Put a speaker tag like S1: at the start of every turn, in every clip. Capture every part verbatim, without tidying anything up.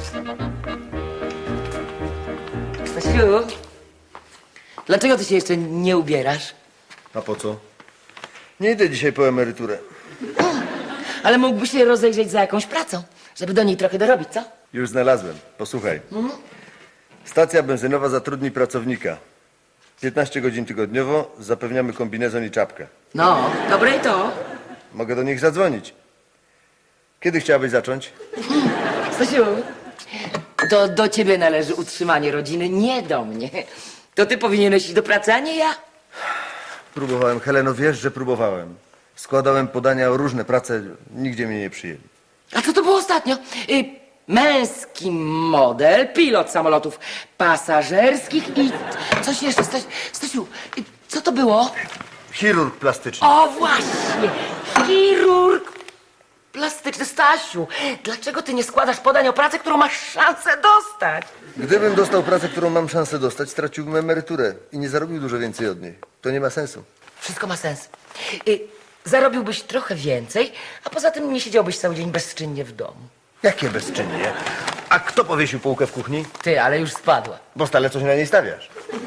S1: Stasiu, dlaczego ty się jeszcze nie ubierasz?
S2: A po co? Nie idę dzisiaj po emeryturę.
S1: Ale mógłbyś się rozejrzeć za jakąś pracą, żeby do niej trochę dorobić, co?
S2: Już znalazłem. Posłuchaj. Stacja benzynowa zatrudni pracownika. piętnaście godzin tygodniowo, zapewniamy kombinezon i czapkę.
S1: No, dobre i to.
S2: Mogę do nich zadzwonić. Kiedy chciałabyś zacząć?
S1: Stasiu, to do ciebie należy utrzymanie rodziny, nie do mnie. To ty powinieneś iść do pracy, a nie ja.
S2: Próbowałem. Heleno, wiesz, że próbowałem. Składałem podania o różne prace, nigdzie mnie nie przyjęli.
S1: A co to było ostatnio? Y, męski model, pilot samolotów pasażerskich i coś jeszcze. Staś, Stasiu, y, co to było?
S2: Chirurg plastyczny.
S1: O, właśnie! Chirurg plastyczny. Stasiu, dlaczego ty nie składasz podań o pracę, którą masz szansę dostać?
S2: Gdybym dostał pracę, którą mam szansę dostać, straciłbym emeryturę i nie zarobił dużo więcej od niej. To nie ma sensu.
S1: Wszystko ma sens. Y, zarobiłbyś trochę więcej, a poza tym nie siedziałbyś cały dzień bezczynnie w domu.
S2: Jakie bezczynnie? A kto powiesił półkę w kuchni?
S1: Ty, ale już spadła.
S2: Bo stale coś na niej stawiasz.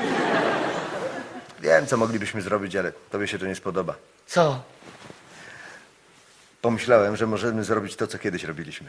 S2: Wiem, co moglibyśmy zrobić, ale tobie się to nie spodoba.
S1: Co?
S2: Pomyślałem, że możemy zrobić to, co kiedyś robiliśmy.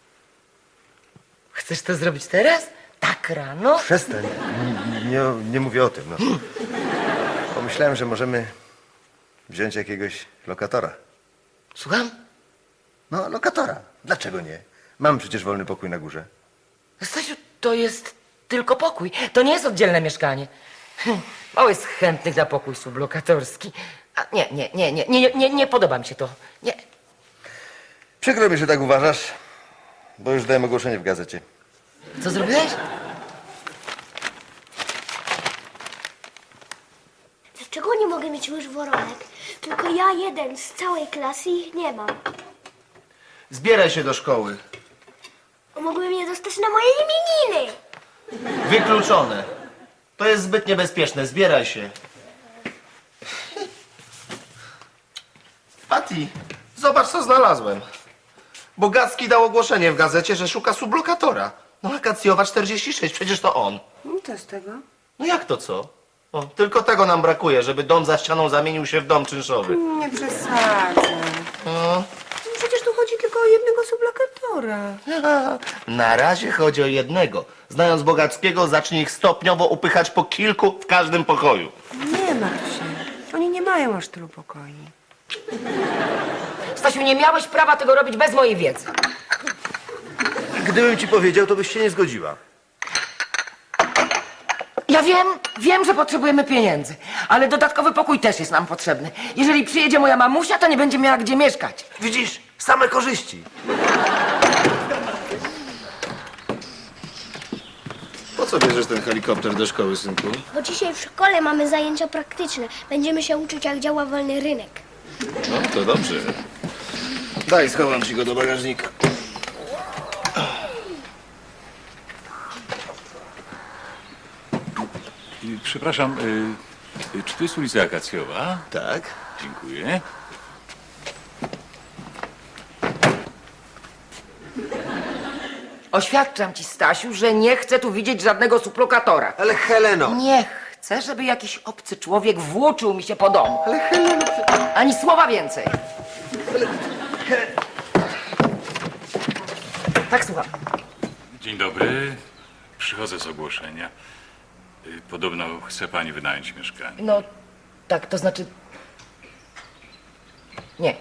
S1: Chcesz to zrobić teraz? Tak rano?
S2: Przestań. N- Nie, nie mówię o tym, no. Pomyślałem, że możemy wziąć jakiegoś lokatora.
S1: Słucham?
S2: No, lokatora. Dlaczego nie? Mam przecież wolny pokój na górze.
S1: Stasiu, to jest tylko pokój. To nie jest oddzielne mieszkanie. Hm, Mało jest chętnych na pokój sublokatorski. A nie, nie, nie, nie, nie, nie, nie podoba mi się to. Nie.
S2: Przykro mi, że tak uważasz, bo już dałem ogłoszenie w gazecie.
S1: Co zrobiłeś?
S3: Dlaczego nie mogę mieć łyż woronek? Tylko ja jeden z całej klasy ich nie mam.
S4: Zbieraj się do szkoły.
S3: Mogłem je dostać na moje imieniny.
S4: Wykluczone. To jest zbyt niebezpieczne. Zbieraj się. Patty, zobacz, co znalazłem. Bogacki dał ogłoszenie w gazecie, że szuka sublokatora. No, Akacjowa czterdzieści sześć, przecież to on.
S5: No to z tego.
S4: No jak to co? O, tylko tego nam brakuje, żeby dom za ścianą zamienił się w dom czynszowy.
S5: Nie przesadzę.
S4: No.
S5: Przecież tu chodzi tylko o jednego sublokatora.
S4: Na razie chodzi o jednego. Znając Bogackiego, zacznie ich stopniowo upychać po kilku w każdym pokoju.
S5: Nie martw się. Oni nie mają aż tylu pokoi.
S1: Stasiu, nie miałeś prawa tego robić bez mojej wiedzy.
S2: Gdybym ci powiedział, to byś się nie zgodziła.
S1: Ja wiem, wiem, że potrzebujemy pieniędzy, ale dodatkowy pokój też jest nam potrzebny. Jeżeli przyjedzie moja mamusia, to nie będzie miała gdzie mieszkać.
S2: Widzisz, same korzyści.
S6: Po co bierzesz ten helikopter do szkoły, synku?
S3: Bo dzisiaj w szkole mamy zajęcia praktyczne. Będziemy się uczyć, jak działa wolny rynek.
S6: No, to dobrze. Daj, schowam ci go do bagażnika.
S7: Y, Przepraszam, y, y, czy to jest ulica Akacjowa?
S6: Tak?
S7: Dziękuję.
S1: Oświadczam ci, Stasiu, że nie chcę tu widzieć żadnego sublokatora.
S2: Ale Heleno!
S1: Nie chcę, żeby jakiś obcy człowiek włóczył mi się po domu. Ale Heleno... Ani słowa więcej. Tak, słucham.
S7: Dzień dobry. Przychodzę z ogłoszenia. Y, Podobno chce pani wynająć mieszkanie.
S1: No, tak, to znaczy... Nie.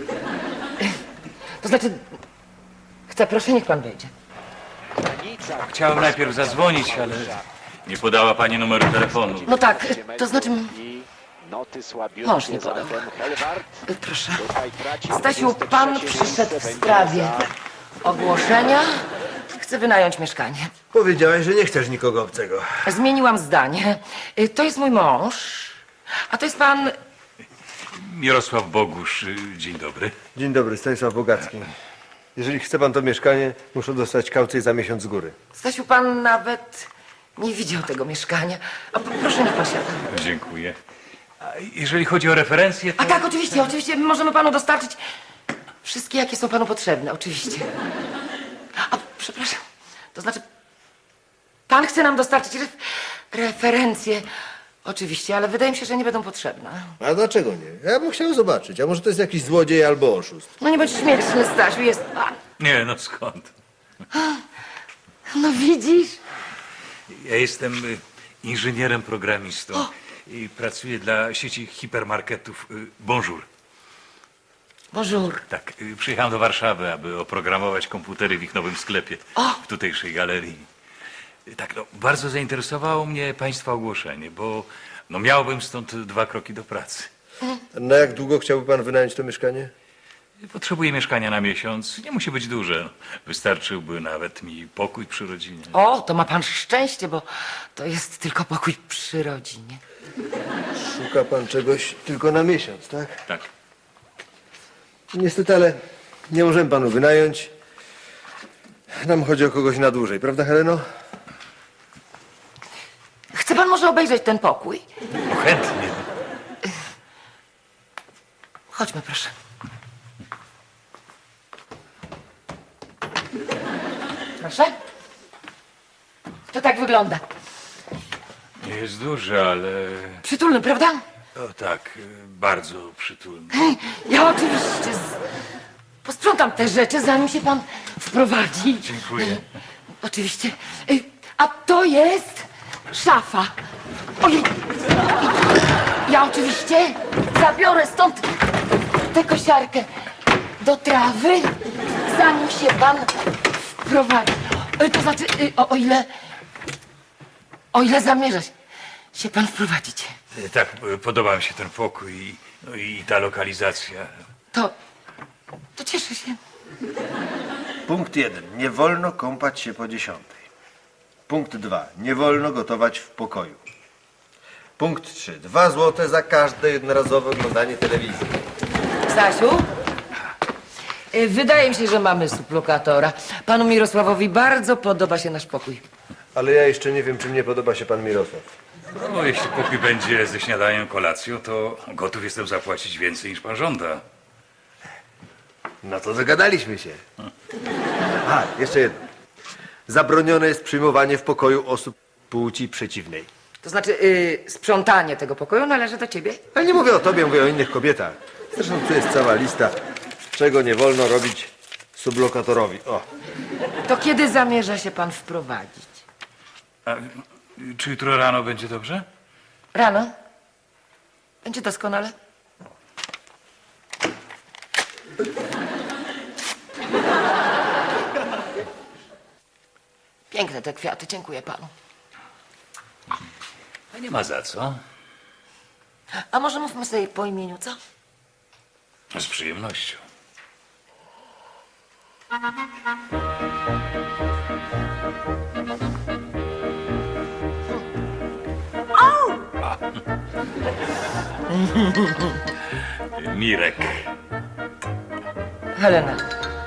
S1: To znaczy... Chcę, proszę, niech pan wejdzie.
S7: Chciałem najpierw zadzwonić, ale nie podała pani numeru telefonu.
S1: No tak, to znaczy...
S8: Noty słabiutkie
S1: Mąż nie podał.
S8: zatem Helwart.
S1: Proszę.
S8: Tutaj traci
S1: Stasiu, pan przyszedł w sprawie ogłoszenia. Chcę wynająć mieszkanie.
S2: Powiedziałeś, że nie chcesz nikogo obcego.
S1: Zmieniłam zdanie. Y, To jest mój mąż, a to jest pan...
S7: Mirosław Bogusz, y, dzień dobry.
S2: Dzień dobry, Stanisław Bogacki. Jeżeli chce pan to mieszkanie, muszę dostać kaucję za miesiąc z góry.
S1: Stasiu, pan nawet nie widział tego mieszkania. A p- proszę, niech pan siada.
S7: Dziękuję. A jeżeli chodzi o referencje, to...
S1: A tak, oczywiście, oczywiście, możemy panu dostarczyć wszystkie, jakie są panu potrzebne, oczywiście. A, przepraszam, To znaczy, pan chce nam dostarczyć ref referencje. Oczywiście, ale wydaje mi się, że nie będą potrzebne.
S2: A dlaczego nie? Ja bym chciał zobaczyć. A może to jest jakiś złodziej albo oszust?
S1: No nie bądź śmieszny, Stasiu, jest pan.
S7: Nie, no skąd?
S1: No widzisz?
S7: Ja jestem y, inżynierem programistą i pracuję dla sieci hipermarketów y, Bonjour.
S1: Bonjour.
S7: Tak, y, przyjechałem do Warszawy, aby oprogramować komputery w ich nowym sklepie w tutejszej galerii. Y, Tak, no, bardzo zainteresowało mnie państwa ogłoszenie, bo no, miałbym stąd dwa kroki do pracy.
S2: Na jak długo chciałby pan wynająć to mieszkanie?
S7: Potrzebuję mieszkania na miesiąc. Nie musi być duże. Wystarczyłby nawet mi pokój przy rodzinie.
S1: O, to ma pan szczęście, bo to jest tylko pokój przy rodzinie.
S2: Szuka pan czegoś tylko na miesiąc, tak?
S7: Tak.
S2: Niestety, ale nie możemy panu wynająć. Nam chodzi o kogoś na dłużej, prawda, Heleno?
S1: Chce pan może obejrzeć ten pokój?
S7: No, chętnie.
S1: Chodźmy, proszę. Proszę. To tak wygląda.
S7: Nie jest duży, ale...
S1: Przytulny, prawda?
S7: O tak, y, bardzo przytulny.
S1: Ja oczywiście z... posprzątam te rzeczy, zanim się pan wprowadzi.
S7: Dziękuję.
S1: Oczywiście. Y, A to jest szafa. Ojej. Ja oczywiście zabiorę stąd tę kosiarkę do trawy, zanim się pan wprowadzi. Y, To znaczy, y, o, o ile... O ile zamierza się- się pan wprowadzić.
S7: Y, Tak, y, podoba mi się ten pokój i, no i ta lokalizacja.
S1: To... To cieszę się.
S2: Punkt jeden. Nie wolno kąpać się po dziesiątej. Punkt dwa. Nie wolno gotować w pokoju. Punkt trzy. Dwa złote za każde jednorazowe oglądanie telewizji.
S1: Stasiu? Y, Wydaje mi się, że mamy sublokatora. Panu Mirosławowi bardzo podoba się nasz pokój.
S2: Ale ja jeszcze nie wiem, czy mnie podoba się pan Mirosław.
S7: No, jeśli pokój będzie ze śniadaniem, kolacją, to gotów jestem zapłacić więcej niż pan żąda.
S2: No to zagadaliśmy się. A, jeszcze jedno. Zabronione jest przyjmowanie w pokoju osób płci przeciwnej.
S1: To znaczy, y, sprzątanie tego pokoju należy do ciebie.
S2: Ale nie mówię o tobie, mówię o innych kobietach. Zresztą tu jest cała lista, czego nie wolno robić sublokatorowi. O,
S1: To kiedy zamierza się pan wprowadzić?
S7: A, y, czy jutro rano będzie dobrze?
S1: Rano? Będzie doskonale. Piękne te kwiaty, dziękuję panu.
S7: A nie ma za co.
S1: A może mówmy sobie po imieniu, co?
S7: Z przyjemnością. Mirek.
S1: Helena.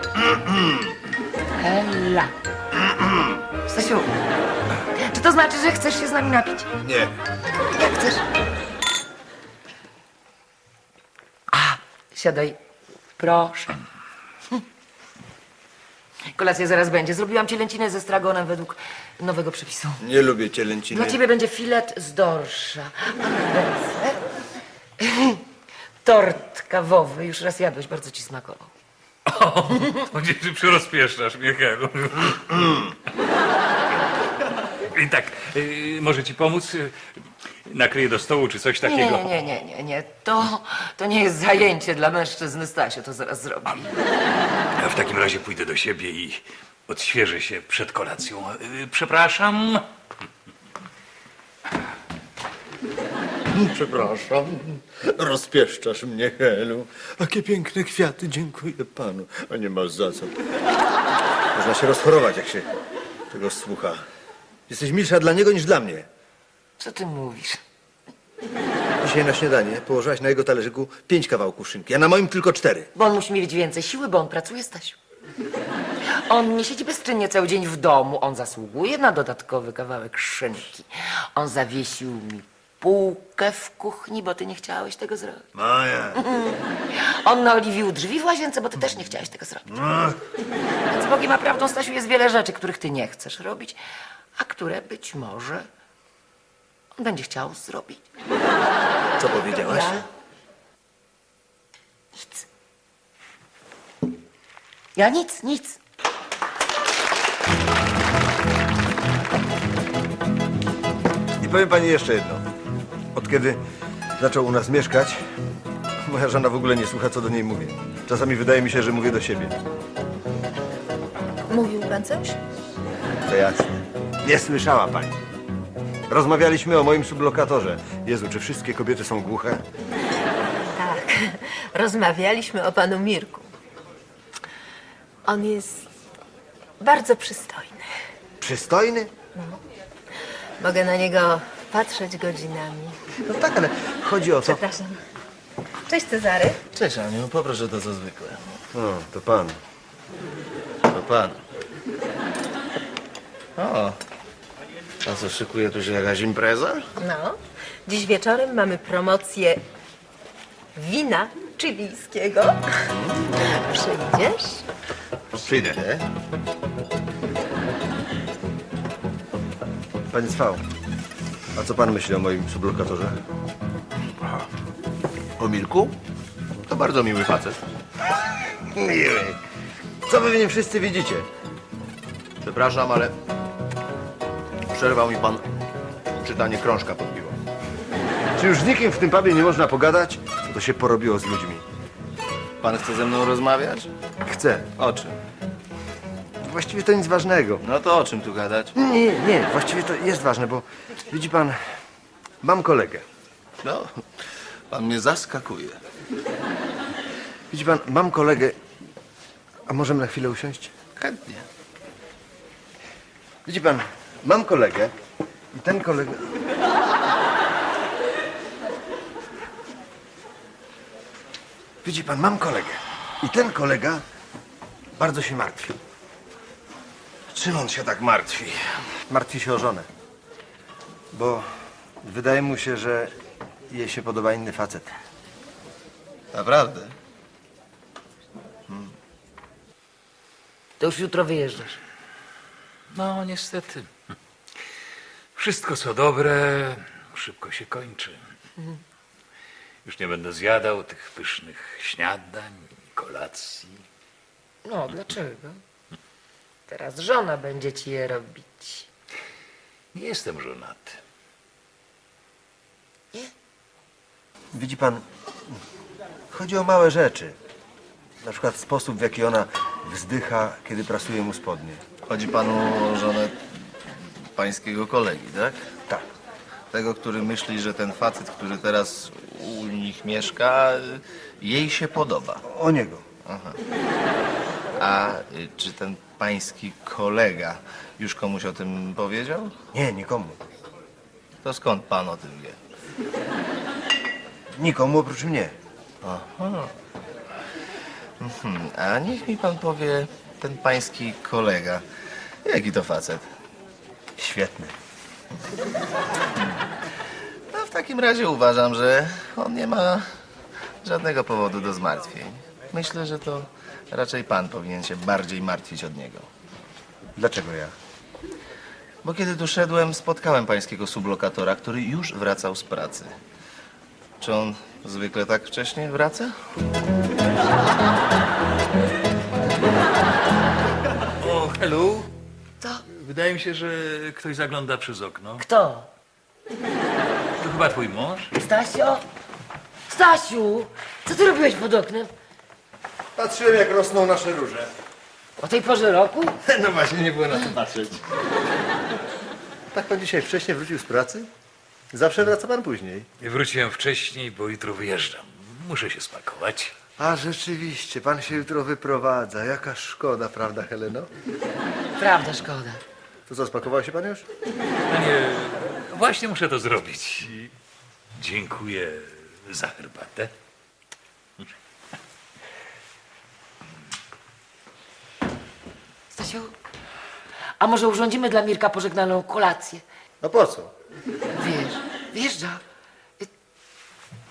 S1: Hela. Stasiu, czy to znaczy, że chcesz się z nami napić?
S2: nie.
S1: Jak chcesz? A, siadaj. Proszę. Hm. Kolacja zaraz będzie. Zrobiłam ci lęcinę ze stragonem według nowego przepisu.
S2: Nie lubię cielęciny.
S1: Dla ciebie będzie filet z dorsza. A na deser tort kawowy. Już raz jadłeś, bardzo ci smakował.
S7: O, gdzie ty przyrozpieszczasz mnie, Helu? I tak, y, może ci pomóc? Y, Nakryję do stołu czy coś
S1: Nie,
S7: takiego?
S1: nie, nie, nie, nie, nie. To, to nie jest zajęcie dla mężczyzny, Stasiu, to zaraz zrobi.
S7: Ja w takim razie pójdę do siebie i odświeżę się przed kolacją. Y, Przepraszam.
S2: Przepraszam. Rozpieszczasz mnie, Helu. Jakie piękne kwiaty, dziękuję panu. A nie masz za co. Można się rozchorować, jak się tego słucha. Jesteś milsza dla niego niż dla mnie.
S1: Co ty mówisz?
S2: Dzisiaj na śniadanie położyłaś na jego talerzyku pięć kawałków szynki, a na moim tylko cztery.
S1: Bo on musi mieć więcej siły, bo on pracuje, Stasiu. On nie siedzi bezczynnie cały dzień w domu. On zasługuje na dodatkowy kawałek szynki. On zawiesił mi półkę w kuchni, bo ty nie chciałeś tego zrobić.
S2: Maja.
S1: On naoliwił drzwi w łazience, bo ty też nie chciałeś tego zrobić. Więc Bogiem a prawdą, Stasiu, jest wiele rzeczy, których ty nie chcesz robić, a które być może on będzie chciał zrobić.
S2: Co powiedziałaś?
S1: Ja? Nic. Ja nic, nic.
S2: I powiem pani jeszcze jedno. Od kiedy zaczął u nas mieszkać, moja żona w ogóle nie słucha, co do niej mówię. Czasami wydaje mi się, że mówię do siebie.
S9: Mówił pan coś?
S2: To jasne. Nie słyszała pani. Rozmawialiśmy o moim sublokatorze. Jezu, czy wszystkie kobiety są głuche?
S9: Tak. Rozmawialiśmy o panu Mirku. On jest bardzo przystojny.
S2: Przystojny?
S9: Mogę na niego patrzeć godzinami.
S2: No tak, ale chodzi o to...
S9: Przepraszam. Cześć, Cezary.
S4: Cześć, Aniu, poproszę to co zwykle.
S2: O, to pan.
S4: To pan. O, a co, szykuje tu się jakaś impreza?
S9: No. Dziś wieczorem mamy promocję wina chilijskiego. Przyjdziesz?
S4: Przyjdę.
S2: Panie Cwał, a co pan myśli o moim sublokatorze?
S4: O Mirku? To bardzo miły facet.
S2: Miły. Co wy w nim wszyscy widzicie?
S4: Przepraszam, ale przerwał mi pan czytanie krążka pod piwo.
S2: Czy już z nikim w tym pubie nie można pogadać? Co to się porobiło z ludźmi?
S4: Pan chce ze mną rozmawiać?
S2: Chcę.
S4: O czym?
S2: Właściwie to nic ważnego.
S4: No to o czym tu gadać?
S2: Nie, nie, właściwie to jest ważne, bo widzi pan, mam kolegę.
S4: No, pan mnie zaskakuje.
S2: Widzi pan, mam kolegę. A możemy na chwilę usiąść?
S4: Chętnie.
S2: Widzi pan, mam kolegę i ten kolega... Widzi pan, mam kolegę i ten kolega bardzo się martwi.
S4: Czym on się tak martwi?
S2: Martwi się o żonę, bo wydaje mu się, że jej się podoba inny facet.
S4: Naprawdę?
S1: To już jutro wyjeżdżasz.
S7: No, niestety. Wszystko, co dobre, szybko się kończy. Już nie będę zjadał tych pysznych śniadań, kolacji.
S1: No, dlaczego? Teraz żona będzie ci je robić.
S7: Nie jestem żonaty.
S2: Widzi pan, chodzi o małe rzeczy. Na przykład sposób, w jaki ona wzdycha, kiedy prasuje mu spodnie.
S4: Chodzi panu o żonę pańskiego kolegi, tak?
S2: Tak.
S4: Tego, który myśli, że ten facet, który teraz u nich mieszka, jej się podoba.
S2: O niego.
S4: A y, czy ten pański kolega już komuś o tym powiedział?
S2: Nie, nikomu.
S4: To skąd pan o tym wie?
S2: Nikomu oprócz mnie.
S4: Hmm, a niech mi pan powie, ten pański kolega, jaki to facet?
S2: Świetny.
S4: No w takim razie uważam, że on nie ma żadnego powodu do zmartwień. Myślę, że to raczej pan powinien się bardziej martwić od niego.
S2: Dlaczego ja?
S4: Bo kiedy tu szedłem, spotkałem pańskiego sublokatora, który już wracał z pracy. Czy on zwykle tak wcześnie wraca?
S7: O, hello.
S1: Co?
S7: Wydaje mi się, że ktoś zagląda przez okno.
S1: Kto?
S7: To chyba twój mąż?
S1: Stasio? Stasiu! Co ty robiłeś pod oknem?
S2: Patrzyłem, jak rosną nasze róże.
S1: O tej porze roku?
S2: No właśnie, nie było na to patrzeć. Tak pan dzisiaj wcześnie wrócił z pracy? Zawsze wraca pan później.
S7: Wróciłem wcześniej, bo jutro wyjeżdżam. Muszę się spakować.
S2: A rzeczywiście, pan się jutro wyprowadza. Jaka szkoda, prawda, Heleno?
S1: Prawda, szkoda.
S2: To co, spakował się pan już?
S7: No nie, właśnie muszę to zrobić. Dziękuję za herbatę.
S1: Stasiu, a może urządzimy dla Mirka pożegnalną kolację?
S2: No po co?
S1: Wiesz, wjeżdża.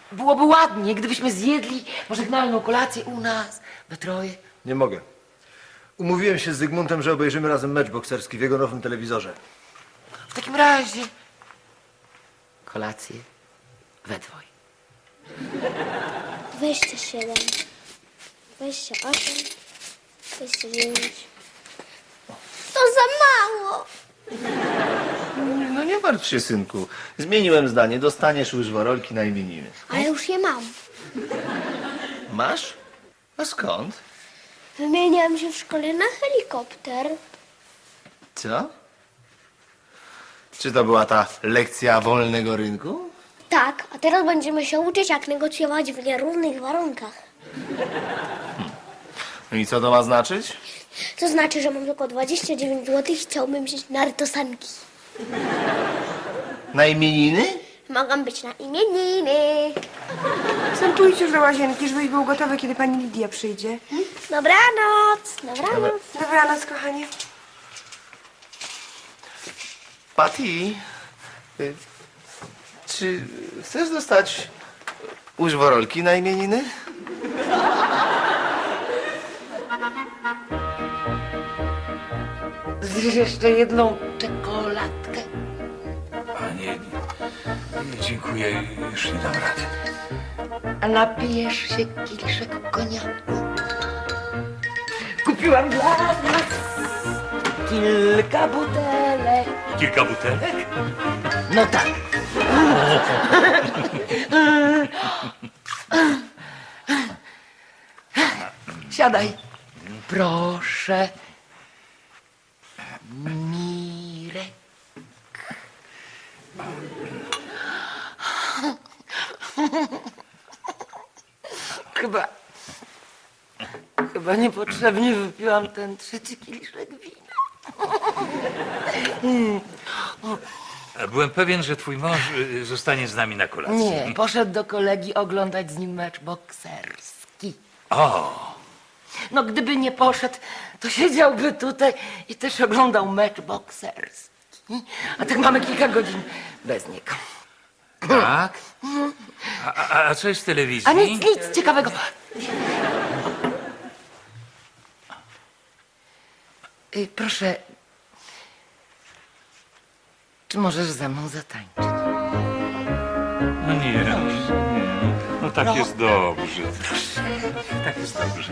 S1: byłoby ładnie, gdybyśmy zjedli pożegnalną kolację u nas, we troje.
S2: Nie mogę. Umówiłem się z Zygmuntem, że obejrzymy razem mecz bokserski w jego nowym telewizorze.
S1: W takim razie kolację we dwoje.
S3: Dwadzieścia siedem, dwadzieścia osiem, dwadzieścia dziewięć. To za mało.
S4: No nie martw się, synku. Zmieniłem zdanie. Dostaniesz łyżworolki na imieniny.
S3: Ale już je mam.
S4: Masz? A skąd?
S3: Wymieniłam się w szkole na helikopter.
S4: Co? Czy to była ta lekcja wolnego rynku?
S3: Tak, a teraz będziemy się uczyć, jak negocjować w nierównych warunkach.
S4: No i co to ma znaczyć?
S3: To znaczy, że mam tylko dwadzieścia dziewięć złotych i chciałbym wziąć nartosanki.
S4: Na imieniny?
S3: Mogą być na imieniny.
S5: Synku, idź już do łazienki, żebyś był gotowy, kiedy pani Lidia przyjdzie.
S3: Dobranoc, dobranoc.
S5: Dobranoc, kochanie.
S4: Patty, y, czy chcesz dostać łyżworolki na imieniny?
S1: Zjesz jeszcze jedną czekoladkę.
S7: A nie, nie, dziękuję, już nie dam rady.
S1: A napijesz się kieliszek koniaku. Kupiłam dla nas kilka butelek.
S7: Kilka butelek?
S1: No tak. Siadaj. Proszę. Mirek. Chyba... Chyba niepotrzebnie wypiłam ten trzeci kieliszek wina.
S7: Byłem pewien, że twój mąż y, zostanie z nami na kolację.
S1: Nie, poszedł do kolegi oglądać z nim mecz bokserski.
S7: O,
S1: No gdyby nie poszedł, to siedziałby tutaj i też oglądał mecz bokserski. A tak mamy kilka godzin bez niego.
S7: tak? A, a, a co jest w telewizji?
S1: A nic, nic ciekawego. Y, proszę, czy możesz ze mną zatańczyć?
S7: No nie, nie. No tak jest dobrze. Tak jest dobrze.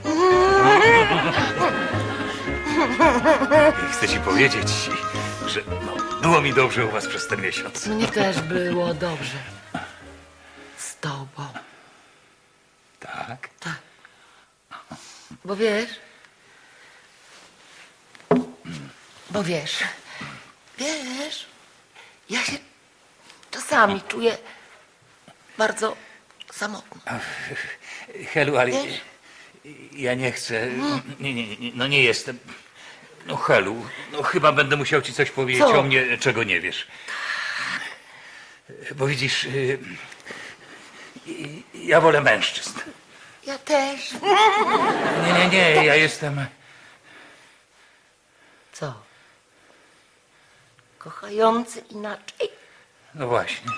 S7: Chcę ci powiedzieć, że no, było mi dobrze u was przez ten miesiąc.
S1: Mnie też było dobrze. Z tobą.
S7: Tak?
S1: Tak. Bo wiesz... Bo wiesz... Wiesz... Ja się czasami czuję bardzo samotna.
S7: Helu, ale
S1: Wiesz?
S7: ja nie chcę. Nie, nie, nie, no nie jestem. No Helu, no chyba będę musiał ci coś powiedzieć
S1: Co?
S7: o mnie, czego nie wiesz. Bo widzisz, y, y, ja wolę mężczyzn.
S1: Ja też.
S7: Nie, nie, nie, ja jestem.
S1: Co? Kochający inaczej?
S7: No właśnie.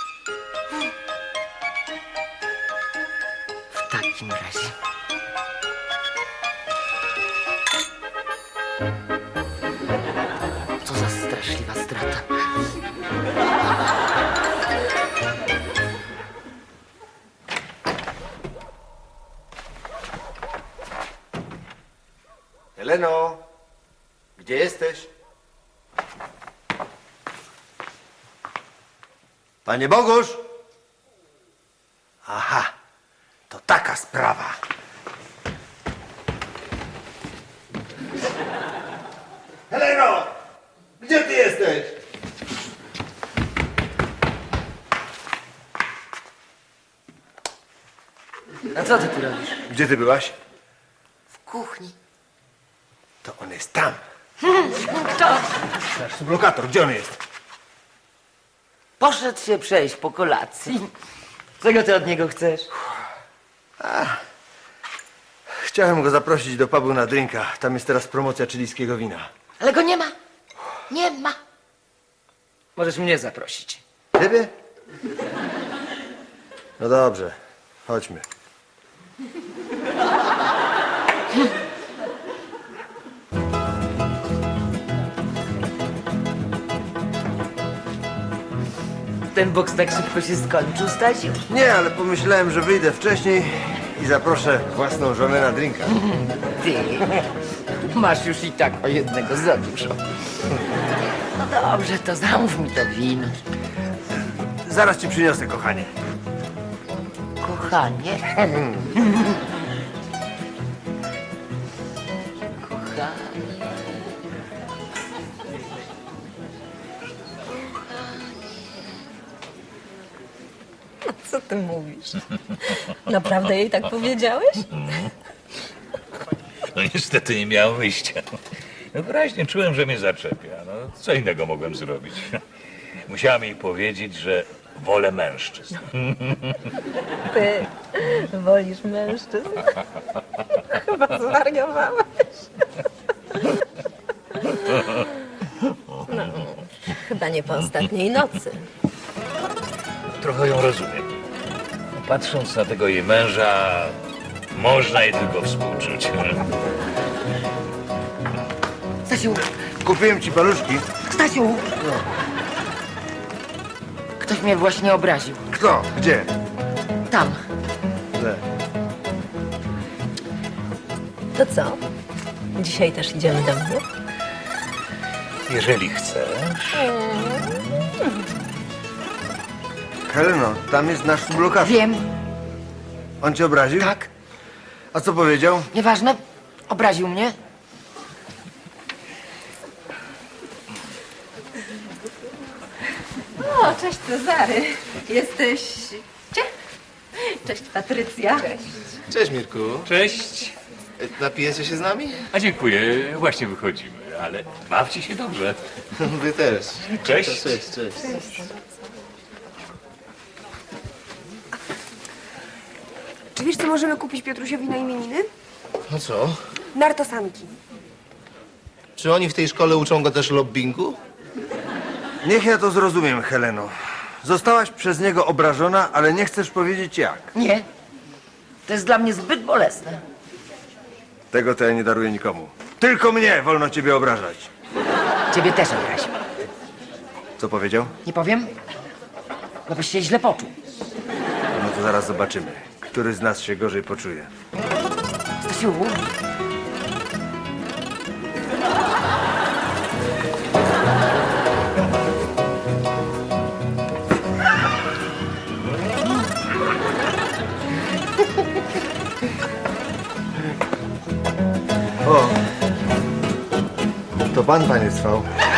S1: W takim razie. Co za straszliwa strata.
S2: Heleno, gdzie jesteś? Panie Bogusz! Aha, to taka sprawa. Heleno! Gdzie ty jesteś?
S1: A co ty tu robisz?
S2: Gdzie ty byłaś?
S1: W kuchni.
S2: To on jest tam.
S1: Kto?
S2: Nasz sublokator, gdzie on jest?
S1: Poszedł się przejść po kolacji. Czego ty od niego chcesz?
S2: Chciałem go zaprosić do pubu na drinka. Tam jest teraz promocja chilijskiego wina.
S1: Ale go nie ma. Nie ma. Możesz mnie zaprosić.
S2: Ciebie? No dobrze, chodźmy.
S1: Ten boks tak szybko się skończył, Stasiu.
S2: Nie, ale pomyślałem, że wyjdę wcześniej i zaproszę własną żonę na drinka.
S1: Ty masz już i tak o jednego za dużo. No dobrze, to zamów mi to wino.
S2: Zaraz ci przyniosę, kochanie.
S1: Kochanie. Kochanie.
S9: Co ty mówisz? Naprawdę jej tak powiedziałeś?
S7: No niestety nie miałem wyjścia. No wyraźnie czułem, że mnie zaczepia. No co innego mogłem zrobić? Musiałem jej powiedzieć, że wolę mężczyzn.
S9: Ty wolisz mężczyzn? Chyba zwariowałeś. No, chyba nie po ostatniej nocy.
S7: Trochę ją rozumiem. Patrząc na tego jej męża, można jej tylko współczuć.
S1: Stasiu,
S2: Kupiłem ci paluszki.
S1: Stasiu! Ktoś mnie właśnie obraził.
S2: Kto? Gdzie?
S1: Tam.
S2: Le.
S9: To co? Dzisiaj też idziemy do mnie?
S7: Jeżeli chcesz.
S2: Heleno, tam jest nasz sublokator.
S1: Wiem,
S2: On cię obraził?
S1: tak.
S2: A co powiedział?
S1: Nieważne. Obraził mnie.
S9: O, cześć Cezary. Jesteś... Cie? Cześć Patrycja. Cześć.
S4: Cześć, Mirku.
S7: Cześć.
S4: E, Napijecie się z nami?
S7: A dziękuję, właśnie wychodzimy, ale bawcie się dobrze.
S4: Wy też.
S7: Cześć.
S4: Cześć, cześć.
S5: Czy wiesz, co możemy kupić Piotrusiowi na imieniny?
S4: No co?
S5: Nartosanki.
S4: Czy oni w tej szkole uczą go też lobbingu?
S2: Niech ja to zrozumiem, Heleno. Zostałaś przez niego obrażona, ale nie chcesz powiedzieć jak.
S1: Nie. To jest dla mnie zbyt bolesne.
S2: Tego to ja nie daruję nikomu. Tylko mnie wolno ciebie obrażać.
S1: Ciebie też obraził.
S2: Co powiedział?
S1: Nie powiem? Bo byś się źle poczuł.
S2: No to zaraz zobaczymy, który z nas się gorzej poczuje.
S1: Stasiu,
S2: O, to pan, panie Cwał.